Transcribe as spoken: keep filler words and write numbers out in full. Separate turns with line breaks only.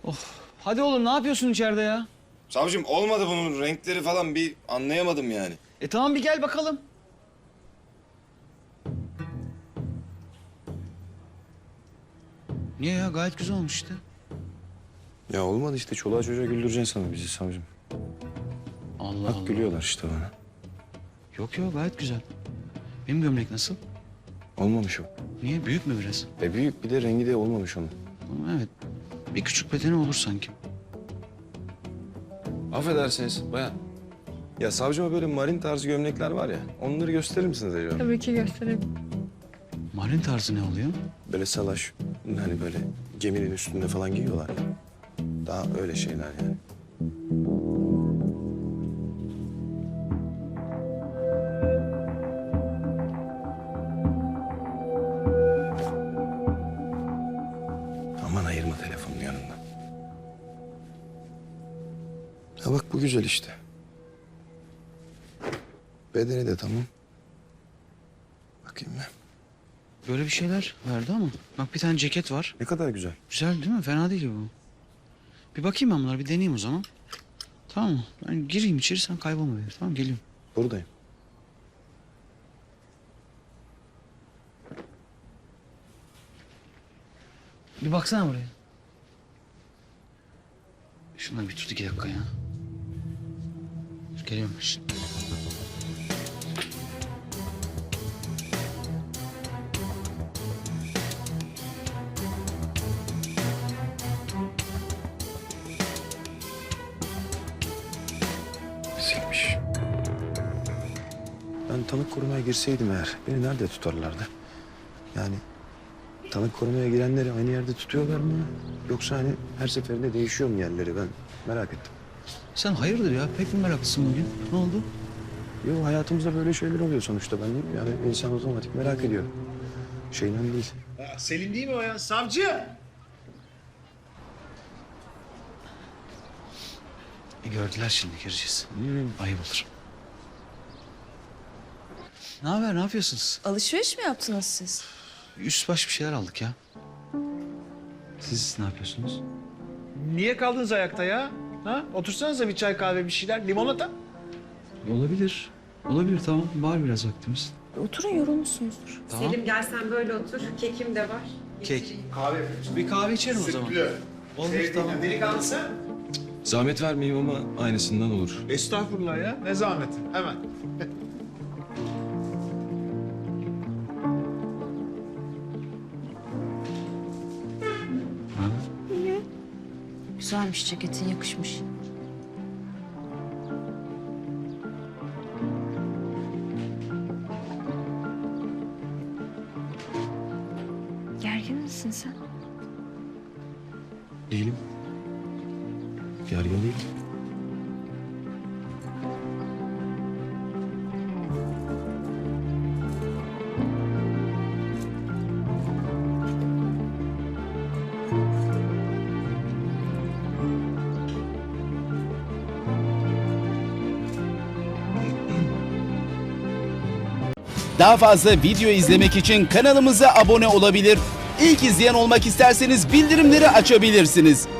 Of. Hadi oğlum ne yapıyorsun içeride ya?
Savcım olmadı bunun renkleri falan bir anlayamadım yani.
E tamam bir gel bakalım. Niye ya? Gayet güzel olmuş işte.
Ya olmadı işte çoluğa çocuğa güldüreceksin sana bizi savcım.
Allah
Bak
Allah.
gülüyorlar işte bana.
Yok yok gayet güzel. Benim gömlek nasıl?
Olmamış o.
Niye? Büyük mü biraz?
E büyük bir de rengi de olmamış onun.
Ama evet. Bir küçük bedeni olur sanki.
Affedersiniz bayan. Ya savcıma böyle marin tarzı gömlekler var ya. Onları gösterir misiniz acaba?
Tabii ki göstereyim.
Marin tarzı ne oluyor?
Böyle salaş. Hani böyle geminin üstünde falan giyiyorlar ya. Daha öyle şeyler yani. Aman ayırma telefonun yanından. Ha bak bu güzel işte. Bedeni de tamam. Bakayım ben.
Böyle bir şeyler verdi ama. Bak bir tane ceket var.
Ne kadar güzel.
Güzel değil mi? Fena değil bu. Bir bakayım ben bunlara bir deneyeyim o zaman. Tamam mı? Ben gireyim içeri sen kaybolma bir. Tamam geliyorum.
Buradayım.
Bir baksana buraya. Şunları bir tut iki dakika ya. Dur, geliyorum şimdi.
Silmiş. Ben tanık korumaya girseydim eğer beni nerede tutarlardı? Yani tanık korumaya girenleri aynı yerde tutuyorlar mı? Yoksa hani her seferinde değişiyor mu yerleri ben merak ettim.
Sen hayırdır ya? Pek mi meraklısın bugün? Ne oldu?
Yok hayatımızda böyle şeyler oluyor sonuçta ben değil mi? Yani insan otomatik merak ediyor. Şeyden değil.
Ya Selim değil mi o ya? Savcı!
E gördüler şimdi gireceğiz. Ayıp olur. Ne haber? Ne yapıyorsunuz?
Alışveriş mi yaptınız siz?
Üst baş bir şeyler aldık ya. Siz ne yapıyorsunuz?
Niye kaldınız ayakta ya? Ha? Otursanıza bir çay kahve bir şeyler. Limonata.
Olabilir. Olabilir tamam. Var biraz vaktimiz.
Oturun yorulmuşsunuzdur.
Tamam.
Selim gel sen böyle otur. Kekim de var.
Kek.
Kahve yapıyoruz.
Bir kahve içerim o zaman. Olur tamam.
Delikanlısı.
Zahmet vermeyeyim ama aynısından olur.
Estağfurullah ya. Ne zahmeti. Hemen.
Güzelmiş ceketin, yakışmış. Gergin misin sen?
Değilim. Gergin değilim.
Daha fazla video izlemek için kanalımıza abone olabilir. İlk izleyen olmak isterseniz bildirimleri açabilirsiniz.